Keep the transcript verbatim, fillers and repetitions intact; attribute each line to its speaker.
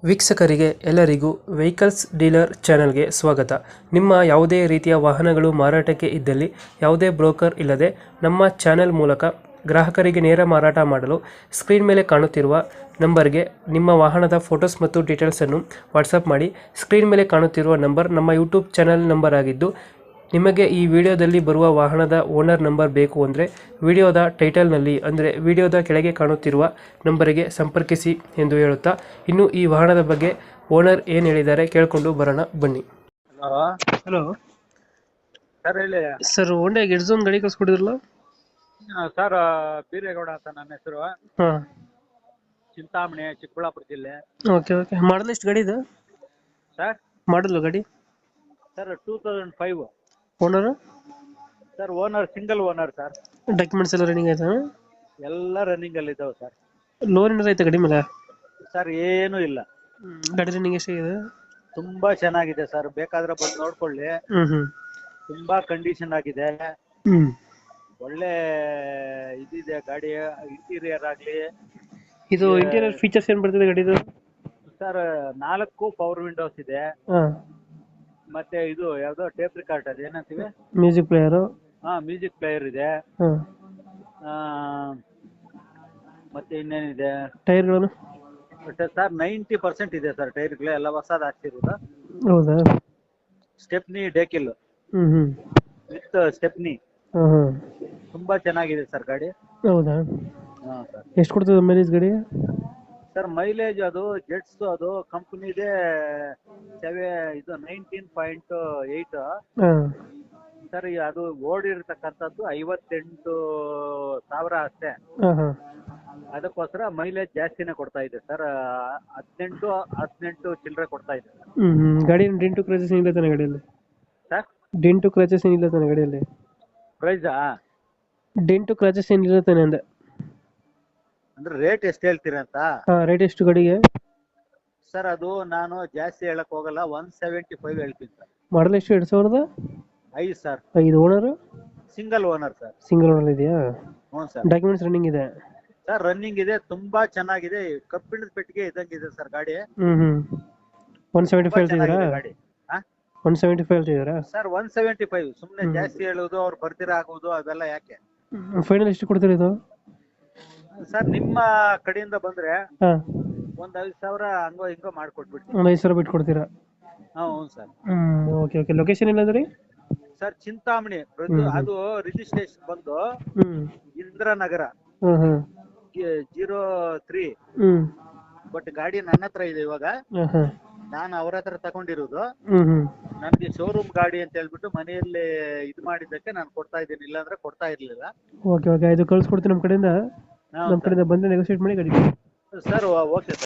Speaker 1: ವೀಕ್ಷಕರಿಗೆ ಎಲ್ಲರಿಗೂ vehicles dealer ಚಾನೆಲ್ಗೆ ಸ್ವಾಗತ. ನಿಮ್ಮ ಯಾವುದೇ ರೀತಿಯ ವಾಹನಗಳು ಮಾರಾಟಕ್ಕೆ ಇದ್ದಲ್ಲಿ ಯಾವುದೇ ಬ್ರೋಕರ್ ಇಲ್ಲದೆ ನಮ್ಮ ಚಾನೆಲ್ ಮೂಲಕ ಗ್ರಾಹಕರಿಗೆ ನೇರ ಮಾರಾಟ ಮಾಡಲು ಸ್ಕ್ರೀನ್ ಮೇಲೆ ಕಾಣುತ್ತಿರುವ ನಂಬರ್ಗೆ ನಿಮ್ಮ ವಾಹನದ ಫೋಟೋಸ್ ಮತ್ತು ಡೀಟೇಲ್ಸನ್ನು ವಾಟ್ಸಪ್ ಮಾಡಿ. ಸ್ಕ್ರೀನ್ ಮೇಲೆ ಕಾಣುತ್ತಿರುವ ನಂಬರ್ ನಮ್ಮ ಯೂಟ್ಯೂಬ್ ಚಾನೆಲ್ ನಂಬರ್ ಆಗಿದ್ದು, ನಿಮಗೆ ಈ ವಿಡಿಯೋದಲ್ಲಿ ಬರುವ ವಾಹನದ ಓನರ್ ನಂಬರ್ ಬೇಕು ಅಂದರೆ ವಿಡಿಯೋದ ಟೈಟಲ್ನಲ್ಲಿ ಅಂದರೆ ವಿಡಿಯೋದ ಕೆಳಗೆ ಕಾಣುತ್ತಿರುವ ನಂಬರಿಗೆ ಸಂಪರ್ಕಿಸಿ ಎಂದು ಹೇಳುತ್ತಾ, ಇನ್ನು ಈ ವಾಹನದ ಬಗ್ಗೆ ಓನರ್ ಏನು ಹೇಳಿದ್ದಾರೆ ಕೇಳಿಕೊಂಡು ಬರೋಣ ಬನ್ನಿ.
Speaker 2: ಹಲೋ
Speaker 1: ಹಲೋ
Speaker 2: ಸರ್ ಹೇಳಿ
Speaker 1: ಸರ್, ಹೋಂಡಾ ಗೆಟ್ಸೋನ್ ಗಾಡಿ ಕಳ್ಸ್ಕೊಡಿದ್ರಲ್ಲ?
Speaker 2: ಸರ್ ಬೀರೇಗೌಡ ಅಂತ ನನ್ನ ಹೆಸರು.
Speaker 1: ಹಾಂ,
Speaker 2: ಚಿಂತಾಮಣಿ, ಚಿಕ್ಕಬಳ್ಳಾಪುರ ಜಿಲ್ಲೆ.
Speaker 1: Okay okay. ಮಾಡಲ್ ಎಷ್ಟು ಗಾಡಿ ಇದು?
Speaker 2: ಸರ್
Speaker 1: ಮಾಡಲು ಗಾಡಿ
Speaker 2: sir two thousand five.
Speaker 1: Owner
Speaker 2: sir owner single owner sir.
Speaker 1: Documents ಎಲ್ಲ ರನ್ನಿಂಗ್ ಆಯ್ತಾ?
Speaker 2: ಎಲ್ಲ ರನ್ನಿಂಗ್ ಅಲ್ಲಿ ಇದಾವೆ ಸರ್.
Speaker 1: ಲೋನ್ ಏನಾರ ಆಯ್ತಾ ಗಾಡಿ ಮೇಲೆ?
Speaker 2: ಸರ್ ಏನೂ ಇಲ್ಲ.
Speaker 1: ಗಾಡಿ ರನ್ನಿಂಗ್ ಎಷ್ಟಾಗಿದೆ?
Speaker 2: ತುಂಬಾ ಚೆನ್ನಾಗಿದೆ ಸರ್, ಬೇಕಾದ್ರೆ ಬಂದು ನೋಡ್ಕೊಳ್ಳಿ.
Speaker 1: ಹ್ಞೂ ಹ್ಞೂ
Speaker 2: ತುಂಬಾ ಕಂಡೀಷನ್ ಆಗಿದೆ,
Speaker 1: ಹ್ಞೂ
Speaker 2: ಒಳ್ಳೆ ಇದಿದೆ ಗಾಡಿ. ಇಂಟೀರಿಯರ್ ಆಗ್ಲಿ
Speaker 1: ಇದು ಇಂಟೀರಿಯರ್ ಫೀಚರ್ಸ್ ಏನು ಬರ್ತದೆ ಗಾಡಿದು?
Speaker 2: ಸರ್ ನಾಲ್ಕು ಪವರ್ ವಿಂಡೋಸ್ ಇದೆ.
Speaker 1: ಹಾಂ,
Speaker 2: ಮತ್ತೆ ಇದು ಯಾವ್ದೋ ಟೇಪ್ ರಿಕಾರ್ಡ್ ಅದು ಏನಂತೀವಿ,
Speaker 1: ಮ್ಯೂಸಿಕ್ ಪ್ಲೇಯರು.
Speaker 2: ಹಾ ಮ್ಯೂಸಿಕ್ ಪ್ಲೇಯರ್ ಇದೆ.
Speaker 1: ಹಾಂ,
Speaker 2: ಆ, ಮತ್ತೆ ಇನ್ನೇನಿದೆ
Speaker 1: ಟೈರ್ಗಳನ್ನು?
Speaker 2: ಸರ್ ನೈಂಟಿ ಪರ್ಸೆಂಟ್ ಇದೆ ಸರ್ ಟೈರ್ಗಳು ಎಲ್ಲ ಹೊಸದು ಹಾಕ್ಸಿರೋದು.
Speaker 1: ಹೌದಾ?
Speaker 2: ಸ್ಟೆಪ್ನಿ ಡೇಕಿಲ್
Speaker 1: ಹ್ಞೂ ಹ್ಞೂ
Speaker 2: ವಿತ್ ಸ್ಟೆಪ್ನಿ.
Speaker 1: ಹಾಂ ಹಾಂ,
Speaker 2: ತುಂಬಾ ಚೆನ್ನಾಗಿದೆ ಸರ್ ಗಾಡಿ.
Speaker 1: ಹೌದಾ?
Speaker 2: ಹಾ ಸರ್.
Speaker 1: ಎಷ್ಟು ಕೊಡ್ತದೆ ಮೈಲೇಜ್ ಗಾಡಿ?
Speaker 2: ಸರ್ ಮೈಲೇಜ್ ಅದು ಜೆಟ್ಸ್ ಅದು ಕಂಪ್ನಿದೆ ಸೆವೆ ಇದು ನೈನ್ಟೀನ್ ಪಾಯಿಂಟ್ ಏಯ್ಟ್
Speaker 1: ಹಾಂ,
Speaker 2: ಸರ್. ಅದು ಓಡಿರ್ತಕ್ಕಂಥದ್ದು ಐವತ್ತೆಂಟು ಸಾವಿರ ಅಷ್ಟೇ.
Speaker 1: ಹಾಂ ಹಾಂ,
Speaker 2: ಅದಕ್ಕೋಸ್ಕರ ಮೈಲೇಜ್ ಜಾಸ್ತಿನೇ ಕೊಡ್ತಾ ಇದೆ ಸರ್. ಹದಿನೆಂಟು ಹದಿನೆಂಟು ಚಿಲ್ಲರೆ ಕೊಡ್ತಾ ಇದೆ ಸರ್.
Speaker 1: ಹ್ಞೂ ಹ್ಞೂ ಗಾಡಿ ಡೆಂಟು ಕ್ರಚಸ್ ಏನಿಲ್ಲ ತಾನೆ ಗಾಡಿಯಲ್ಲಿ?
Speaker 2: ಸರ್
Speaker 1: ಡೆಂಟು ಕ್ರಚಸ್ ಏನಿಲ್ಲ ತಾನೆ ಗಾಡಿಯಲ್ಲಿ?
Speaker 2: ಪ್ರೈಸಾ?
Speaker 1: ಡೆಂಟು ಕ್ರಚಸ್ ಏನಿಲ್ಲ ತಾನೆ ಅಂದೆ?
Speaker 2: ಅಂದ್ರೆ ರೇಟ್ ಎಷ್ಟು ಹೇಳ್ತೀರಾ ಅಂತ?
Speaker 1: ಹಾಂ, ರೇಟ್ ಎಷ್ಟು ಗಾಡಿಗೆ?
Speaker 2: ಸರ್ ಅದು ನಾನು ಜಾಸ್ತಿ ಹೇಳಕ್ ಹೋಗಲ್ಲ, ಒನ್ ಸೆವೆಂಟಿ ಫೈವ್ ಹೇಳ್ತೀನಿ ಸರ್.
Speaker 1: ಮಾಡಲ್ ಎಷ್ಟು? ಎರಡು ಸಾವಿರದ
Speaker 2: ಐದು ಸರ್.
Speaker 1: ಐದು. Owner
Speaker 2: single owner sir.
Speaker 1: Single owner ಇದೆಯಾ?
Speaker 2: ಹ್ಞೂ ಸರ್.
Speaker 1: ಡಾಕ್ಯುಮೆಂಟ್ಸ್ ರನ್ನಿಂಗ್ ಇದೆ?
Speaker 2: ಸರ್ ರನ್ನಿಂಗ್ ಇದೆ, ತುಂಬಾ ಚೆನ್ನಾಗಿದೆ. ಕಬ್ಬಿಣದ ಪೆಟ್ಟಿಗೆ ಇದ್ದಂಗಿದೆ ಸರ್ ಗಾಡಿ.
Speaker 1: ಹ್ಞೂ ಹ್ಞೂ ಒನ್ ಸೆವೆಂಟಿ ಫೈವ್ ಹೇಳ್ತಿದ್ದೀರಾ?
Speaker 2: ಗಾಡಿ
Speaker 1: ಒನ್ ಸೆವೆಂಟಿ ಫೈವ್ ಹೇಳ್ತಿದ್ದೀರಾ
Speaker 2: ಸರ್? ಒನ್ ಸೆವೆಂಟಿ ಫೈವ್ ಸುಮ್ಮನೆ ಜಾಸ್ತಿ ಹೇಳೋದು, ಅವ್ರು ಬರ್ದಿರ ಆಗೋದು ಅವೆಲ್ಲ ಯಾಕೆ?
Speaker 1: ಫೈನಲ್ ಎಷ್ಟು ಕೊಡ್ತೀರಿ ಇದು?
Speaker 2: ಸರ್ ನಿಮ್ಮ ಕಡೆಯಿಂದ ಬಂದ್ರೆ
Speaker 1: ಹಾಂ,
Speaker 2: ಒಂದ್ ಐದು ಸಾವಿರ ಹಂಗೋ ಹಿಂಗೋ ಮಾಡ್ಕೊಟ್ಬಿಡ್ತೀನಿ.
Speaker 1: ಒಂದು ಐದು ಸಾವಿರ ಬಿಟ್ಟು ಕೊಡ್ತೀರಾ?
Speaker 2: ಹಾಂ ಹ್ಞೂ ಸರ್.
Speaker 1: ಹ್ಞೂ ಓಕೆ ಓಕೆ. ಲೊಕೇಶನ್ ಎಲ್ಲಂದ್ರಿ?
Speaker 2: ಸರ್ ಚಿಂತಾಮಣಿ. ಅದು ರಿಜಿಸ್ಟ್ರೇಷನ್ ಬಂದು
Speaker 1: ಹ್ಞೂ
Speaker 2: ಇಂದ್ರನಗರ
Speaker 1: ಹ್ಞೂ ಹ್ಞೂ
Speaker 2: ಜೀರೋ ತ್ರೀ.
Speaker 1: ಹ್ಞೂ
Speaker 2: ಬಟ್ ಗಾಡಿ ನನ್ನ ಹತ್ರ ಇದೆ ಇವಾಗ.
Speaker 1: ಹಾಂ ಹಾಂ,
Speaker 2: ನಾನು ಅವ್ರ ಹತ್ರ ತಗೊಂಡಿರೋದು.
Speaker 1: ಹ್ಞೂ ಹ್ಞೂ
Speaker 2: ನನ್ಗೆ ಶೋರೂಮ್ ಗಾಡಿ ಅಂತ ಹೇಳ್ಬಿಟ್ಟು ಮನೆಯಲ್ಲಿ ಇದು ಮಾಡಿದ್ದಕ್ಕೆ ನಾನು ಕೊಡ್ತಾ ಇದ್ದೀನಿ, ಇಲ್ಲಾಂದ್ರೆ ಕೊಡ್ತಾ ಇರ್ಲಿಲ್ಲ.
Speaker 1: Okay okay. ಇದು ಕಳ್ಸ್ಕೊಡ್ತೀನಿ ನಮ್ಮ ಕಡೆಯಿಂದ.
Speaker 2: ಹಾ
Speaker 1: ನಮ್ಮ ಕಡೆಯಿಂದ ಬಂದರೆ ನೆಗೋಸಿಯೇಟ್ ಮಾಡಿ ಗಾಡಿ.
Speaker 2: Sir okay sir.